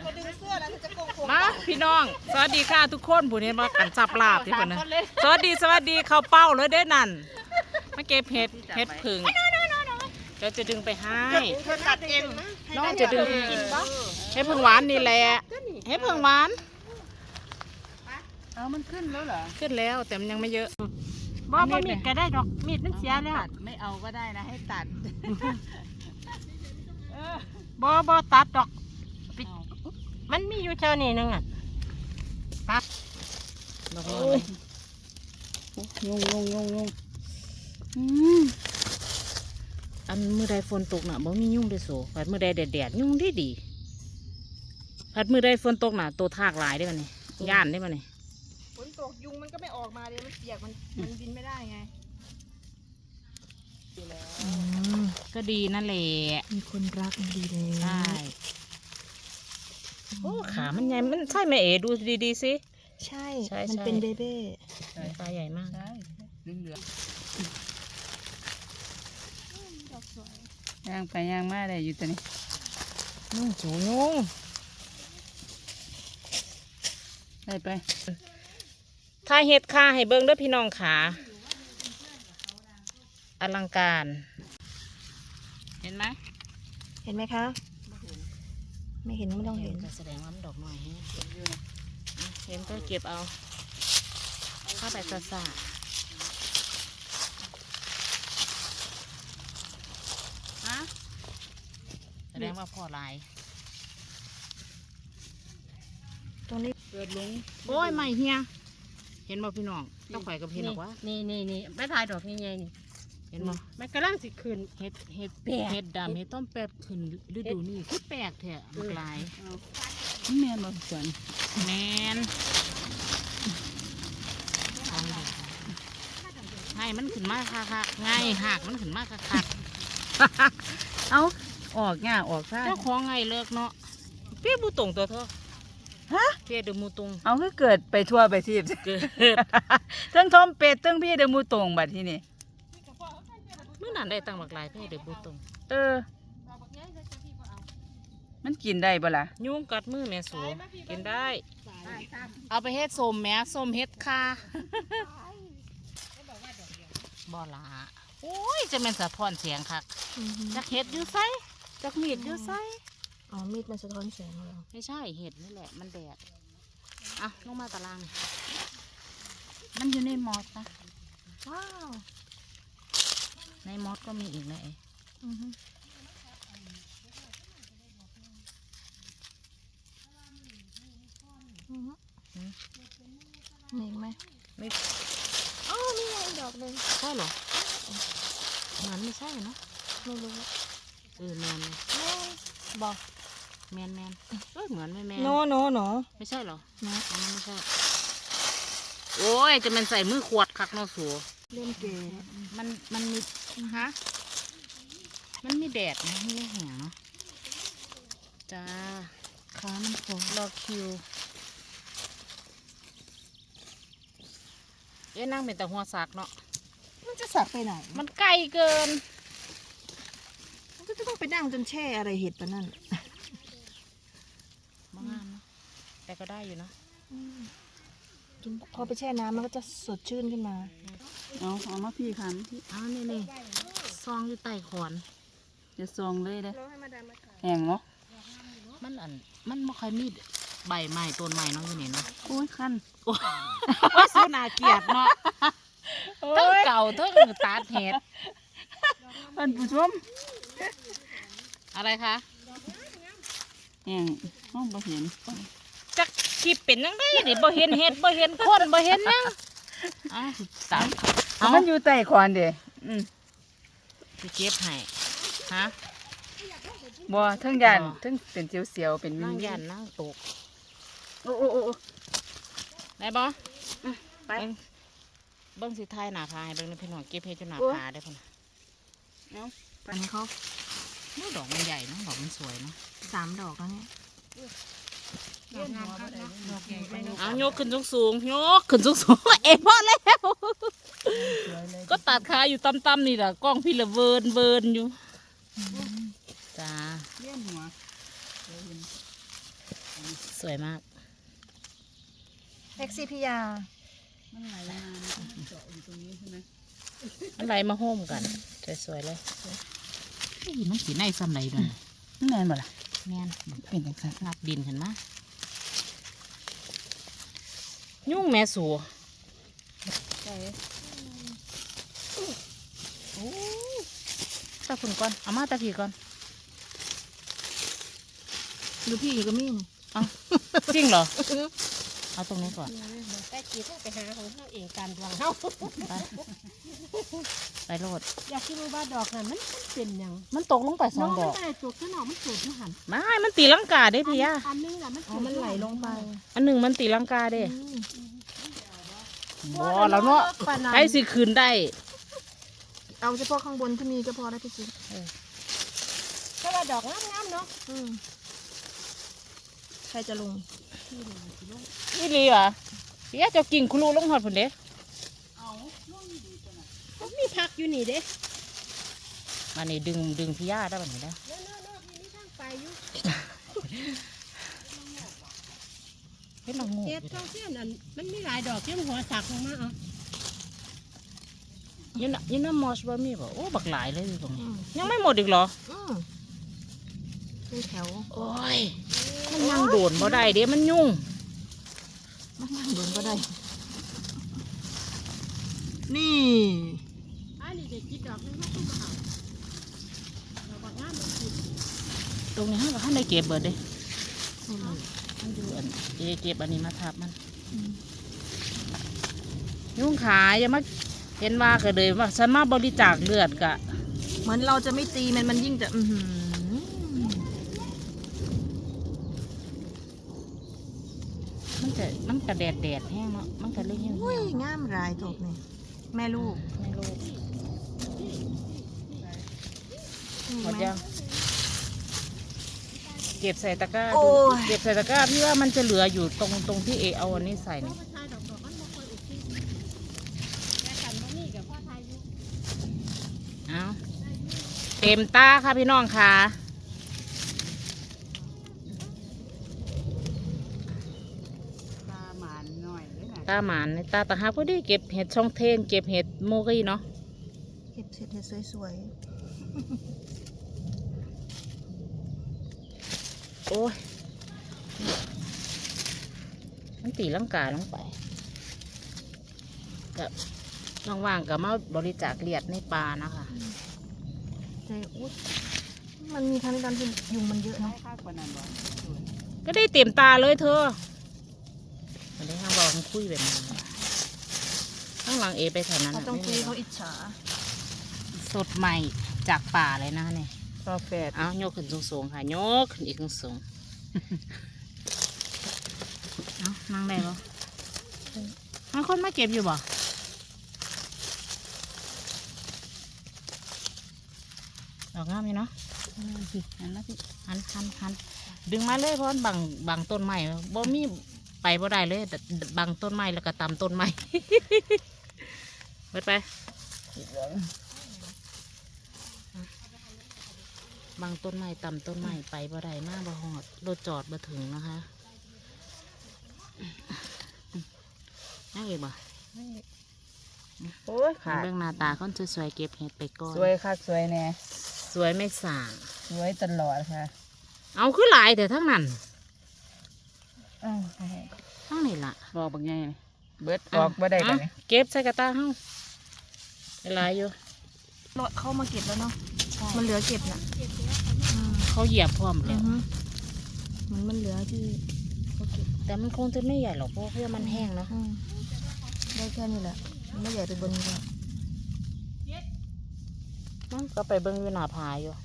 มาพี่น้องสวัสดีค่ะทุกคนผู้นี้มากันจับลาบที่คนนึงสวัสดีเขาเป้าเลยได้นั่นมาเก็บเห็ดผึ่งเดี๋ยวจะดึงไปให้ตัดเองน้องจะดึงเห็ดผึ่งหวานนี่แหละเห็ดผึ่งหวานเอามันขึ้นแล้วเหรอขึ้นแล้วแต่มันยังไม่เยอะบ่มีดก็ได้ดอกมีดมันเสียแล้วไม่เอาก็ได้นะให้ตัดบ่ตัดดอกมันมีอยู่เท่านี้นึงอ่ะตัดดอกงอันมือใดฝนตกหนาบ่มียุ่งได้โสผัดมือใดแดดยุ่งดีผัดมือใดฝนตกหนาตัวทากหลายได้ป่ะนี่ย่านได้ป่ะนี่ฝนตกยุงมันก็ไม่ออกมาเลยมันเปียกมันบินไม่ได้ไงก็ดีนั่นแหละมีคนรักมันดีเลยใช่โอ้ขามันใหญ่มันใช่ไหมเอ๋ดูดีๆสิใช่มันเป็นเบเบ้ตาใหญ่มากใช่เหลืองย่างไปย่างมาได้อยู่ตัวนี้นุ่งสูนุ่งได้ไปถ้าเฮ็ดค่าให้เบิ้งด้วยพี่น้องขาอลังการเห็นไหมคะไม่เห็นไม่ต้องเห็นแสดงว่ามันดอกหน่อยเห็นก็เก็บเอาเข้าไปซ่าแสดงว่าพ่อลายตรงนี้เกิดลงโอ้ยไม่เฮียเห็นบ่พี่น้องต้องข่อยกับเห็นหรอกวะนี่ไม่ถ่ายดอกนี่ไงนี่เห็นบ่มันกำลังสิขึ้นเห็ดแปดเห็ดดำเห็ดต้มแปดขึ้นฤดูนี่คือแปลกแท้มันลายแม่มาสวนแมนให้มันขึ้นมาค่ะง่ายหักมันขึ้นมาค่ะเอาออกง่าออกค่ะเจ้าของไงเลิกเนาะเปี้ยบูตงตัวเธอฮะเปี้ยเดมูตงเอาคือเกิดไปทั่วไปทีบเกิดทั้งทอมเป็ดทั้งพี่เดมูตงบัดที่นี่เมื่อนั้นได้ตังบักลายเปี้ยเดมูตงมันกินได้บ่ล่ะยุงกัดมือแม่สูกินได้เอาไปเฮ็ดส้มแม่ส้มเฮ็ดค่ะบ่ละโอ้ยจะเป็นสะท้อนเสียงค่ะจักเห็ดอยู่ไซจักมีดอยู่ไซอ๋อมีดมันสะท้อนแสงเหรอไม่ใช่เห็ดนี่แหละมันแดดอ่ะลงมาตารางมันอยู่ในมอสนะว้าวในมอสก็มีอีกเลยมีไหมไม่อ๋อมีไงดอกเลยใช่เหรอมันไม่ใช่เนาะไม่รู้แมนบอกแมนเหมือนไม่แมนโนไม่ใช่เหรอไม่ใช่โอ้ยจะมันใส่มือขวดคักเนาะสัวเล่นเกมมันมีฮะมันมีแดดนะไม่แห้งเนาะจ้าขามันโผล่รอคิวนั่งเป็นแต่หัวสักเนาะมันจะสักไปไหนมันไกลเกินมันก็จะต้องไปนั่งจนแช่อะไรเห็ดปะนั่นมางามนะแต่ก็ได้อยู่นะกินพอไปแช่น้ำมันก็จะสดชื่นขึ้นมาเอามาพี่คันนี่ซองอยู่ใต้ขอนจะซองเลยเลยแห้งเนาะมันไม่ค่อยมีใบใหม่ต้นใหม่เนาะอยู่นี่เนาะโอ้ยคันโอ้ยสุนาเกียดเนาะทั้งเก่าทั้งตาเห็ดท่านผู้ชมอะไรคะแห้งห้องบ่เห็นจักขีดเป็นยังไงดิบ่เห็นเห็ดบ่เห็นคนบ่เห็นยังตามมันอยู่ใต้ขอนเด้ไปเก็บให้ฮะบ่ทั้งยันทั้งเป็นเสียวๆเป็นนั่งยันนั่งตกโอ้ได้บ่ไปเบิ้งสิไทยหนาพาให้เบิ้งในพี่น้องเก็บเพชรจนหนาพาได้พุ่นอันนี้เขาดอกมันใหญ่นะดอกมันสวยนะ 3 ดอกแล้วเนี่ยเอาโยกขึ้นสูงโยกขึ้นสูงเอ๋พอแล้วก็ตัดขาอยู่ต่ำๆนี่แหละกล้องพี่ละเวิร์นอยู่จ้าเลี้ยนหัวสวยมากเอ็กซีพียามันไหลมาเจาะอยู่ตรงนี้ใช่ไหมอะไรมาโฮมกันสวยๆเลยนี่มันสีในซ้ำไหนด้วยนั่นแน่นบ่ล่ะแม่นเป็นจังซั่นงับดินเห็นไหมยุ่งแม่สูใช่ตาฝุ่นก่อนเอามาตาผีก่อนดูพี่ก็มีนี่เอาจริงเหรอเอาตรงนี้ก่อนแต่จีต้องไปหาของเขาเองการดวงเขาไปโลดอยากคิดว่าดอกน่ะมันเป็นหยังมันตกลงไปสองดอกมันได้จุดขึ้นออกมันจุดที่หันไม่มันตีลังกาได้พี่ยาอันนึงน่ะมันอ๋อมันไหลลงไปอันหนึ่งมันตีลังกาเด้อืมบ่แล้วเนาะปานนั้นใครสิคืนได้เอาเฉพาะข้างบนที่มีก็พอแล้วพี่จิ๊บถ้าว่าดอกงามๆเนาะใครจะลงนี่ลีวะพี่ยาเจะกิ่งคุรูลงหอดผุนเด้มีผักอยู่นี่เด้มานี่ดึงพี่ยาได้แบบนี้ได้เนาะๆมีทางไปอยู่เฮ็ดละงูเฮ็ดช่องเสี้ยนอันมันมีหลายดอกที่มันหัวสักลงมาเอายินน้ำมอสบ่มีบ่โอ้บักหลายเลยอยู่ตรงนี้ยังไม่หมดอีกเหรอเป็นแถวโอ้ยมันยังโดนบ่ได้เด้มันยุ่งมันนั่งโดนก็ได้ นี่อันนี้จะคิดดอกนึงเขาต้องมาเอาดอกบางงามมันกินตรงนี้ห้าท่านได้เก็บเบิดเด้มันอยู่อันเก็บอันนี้มาทับมันยุ่งขายอย่ามาเห็นว่าก็เลยว่าฉันมาบริจาคเลือดกะเหมือนเราจะไม่ตีมันยิ่งจะมันกระแดดแห้งเนาะมันกระเลยเหี่ยวอุ้ยงามรายถูกนี่แม่ลูกไม่รู้นี่หมดไหยังเก็บใส่ตะกร้าโอ้ดูยเก็บใส่ตะกร้าพี่ว่ามันจะเหลืออยู่ตรงที่เอเอาอันนี้ใส่นี่พ่อชายดอกมันบ่ค่อยอุทิศแต่กันบ่มีกับพ่อชายอยู่เอาเต็มตาค่ะพี่น้องค่ะตาหมานหน่อยเลยนะตาหมานในตาตาหาพอดีเก็บเห็ดช่องเทนเก็บเห็ดโมกี้เนาะเก็บเศษเห็ดสวยโอ้ยมันตีลังกาลงไปกับว่างๆกับมาบริจาคเลือดในปลานะคะๆแต่อุ๊ยมันมีทางในการที่ยุงมันเยอะเนาะข้างกว่านั้นบ่ก็ได้เต็มตาเลยเธออันนี้ห้ามบอกคุยแบบนี้ข้างหลังเอไปแถวนั้นเขาน่ะต้องไม่คุยมีหรเขาอกอิจฉาสดใหม่จากป่าเลยนะเนี่ยพอแฝดเอาโยกขึ้นสูงๆค่ะโยกขึ้นอีกสูงเอานั่งได้ปะมีคนมาเก็บอยู่บ่ดอกงามอยู่เนาะสิอันละพี่หันดึงมาเลยเพราะบางต้นไม้บ่มีไปบ่ได้เลยแต่บางต้นไม้แล้วก็ตำต้นไม้ เบิดไปบางต้นไม้ตำต้นไม้ไปบ่ได้มาบ่หอดรถจอดบ่ถึงนะคะนั่งอีกบ่โอ้ยขาดเรื่องหน้าตาคนสวยๆเก็บเห็ดไปก่อนสวยคักสวยแน่สวยไม่ส่างสวยตลอดค่ะเอาคือหลายแต่ทั้งนั้นอ้าวทั้งนี้ล่ะบอกบักไงเบิดออกบ่ได้บัดนี้เก็บใส่กระตาเฮาหลายอยู่รถเข้ามาเก็บแล้วเนาะมันเหลือเก็บน่ะอืมเขาเหยียบพร้อมอืแล้อวฮึมันเหลือที่เขาเก็บแต่มันคงจะไม่ใหญ่หรอกเพราะเพื่อมันแห้งเนาะได้แค่นี้แหละมันไม่ใหญ่ไปบนนี้แล้วมันก็ไปเบิ่งอยู่หน้าผาอยู่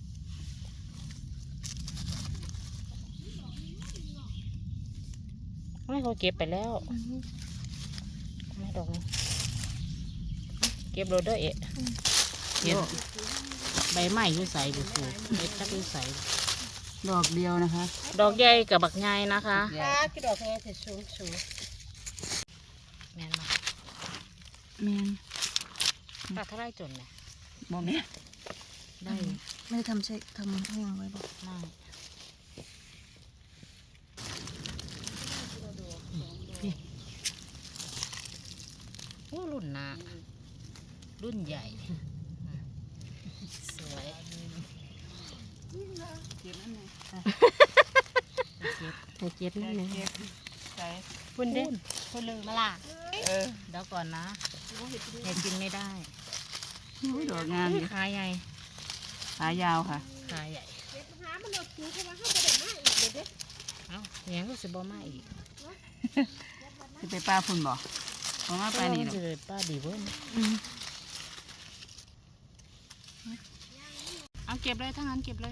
ไม่เขาเก็บไปแล้วไม่ดอกนี้เก็บโรเดอร์เอะเก็บใบไม้อยู่ใส่ดูฟูเม็ดจักอยู่ใส่ดอกเดียวนะคะดอกใหญ่กับบักใหญ่นะคะตากี่ดอกไงแต่สูงแม่นมาแม่นตัดเท่าไรจนเนี่ยบ่แม่นได้ไม่ได้ทำแห้งไว้บอกมากรุ่นใหญ่สวยเก็บนั่นไงให้เจ็บนิดนึงเก็บใส่คุณเด้คุณลืมมาล่ะเดี๋ยวก่อนนะเห็ดกินไม่ได้อุ้ยดอกงามอยู่ขาใหญ่ขายาวค่ะขาใหญ่เอ้าเนี้ยก็สิบ่มาอีกจะไปป้าพุ่นบ่เพราะว่าไปนี่หรอกจะป้าดีเว้ยเอาเก็บเลยทั้งนั้นเก็บเลย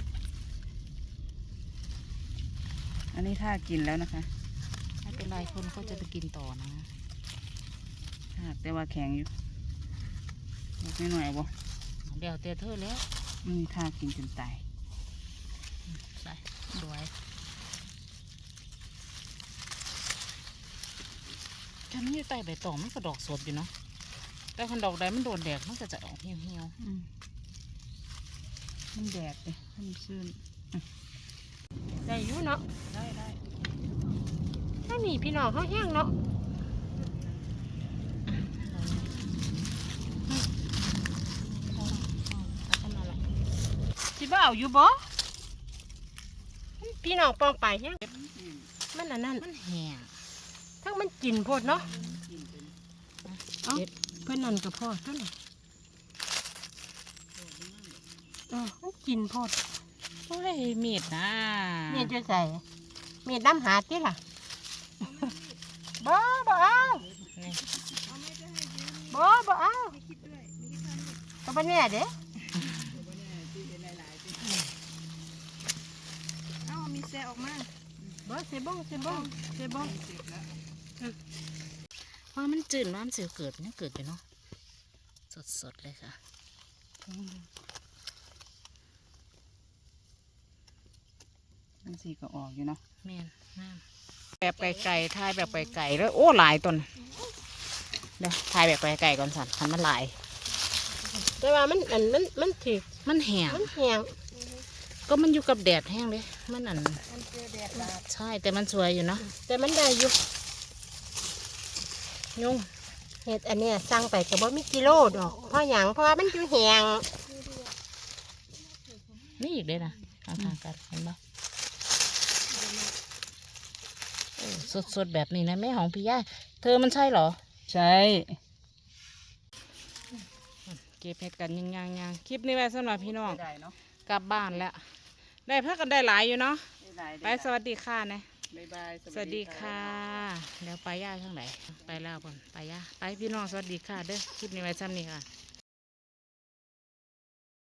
อันนี้ถ้ากินแล้วนะคะไม่เป็นไรคนก็จะไปกินต่อนะแต่ว่าแข็งอยู่ไม่หน่อยเอาบ่เดี๋ยวเตะเธอแล้วนี่ถ้ากินจนตายใส่สวยฉันนี่ใต้ใบตองมันก็ดอกสดอยู่เนาะแต่คันดอกใดมันโดนแดดมันก็จะออกเหี่ยวมันแดดเลยมันซื่นได้อยู่เนาะๆได้ได้ถ้ามีพี่น้องเขาแห้งเนาะ สิบ่เอาอยู่บ่พี่น้องปองไปแห้งมันอันนั้นมันแห้งทั้งมันกินโพดเนาะเอ้าเพื่อนนั่นกับพ่อเท่านั้นมันกินโพดโอ้ยมีดนะมีดจะใส่มีดน้ำหาดที่ล่ะบ่เอานี่บ่เอาตัวเป็นแม่เด้เอ้ามีแซออกมาบ่เสบงว่ามันจืดว่ามันเสียวเกิดยังเกิดอยู่เนาะสดๆเลยค่ะมันสีก็ออกอยู่เนาะแม่นน้ำแบบไก่ๆทายแบบไก่ๆแล้วโอ้หลายต้นเดี๋ยวทายแบบไก่ๆก่อนสันทันมันหลายแต่ว่ามันถือมันแห้งมันแห้งก็มันอยู่กับแดดแห้งเลยมันอันใช่แต่มันสวยอยู่เนาะแต่มันได้อยู่ยุ่งเห็ดอันเนี้ยสั่งไปแต่ว่ามีกิโลดอกเพราะหยังเพราะว่ามันอยู่แห้งนี่อีกเลยนะข้างๆกันเห็นปะโอ้สดๆแบบนี้นะแม่ของพี่ย่าเธอมันใช่เหรอใช่เก็บเห็ดกันยังคลิปนี้ไว้สำหรับพี่น้องได้เนาะกลับบ้านแล้ว ได้พักกันได้หลายอยู่เนาะได้ไปสวัสดีค่ะนะบ๊ายบายสวัสดีค่ะเดี๋ยวไปย่าข้างไหนไปแล้วก่อนไปย่าไปพี่น้องสวัสดีค่ะเด้อคลิปนี้ไว้ซ้ำนี้ค่ะ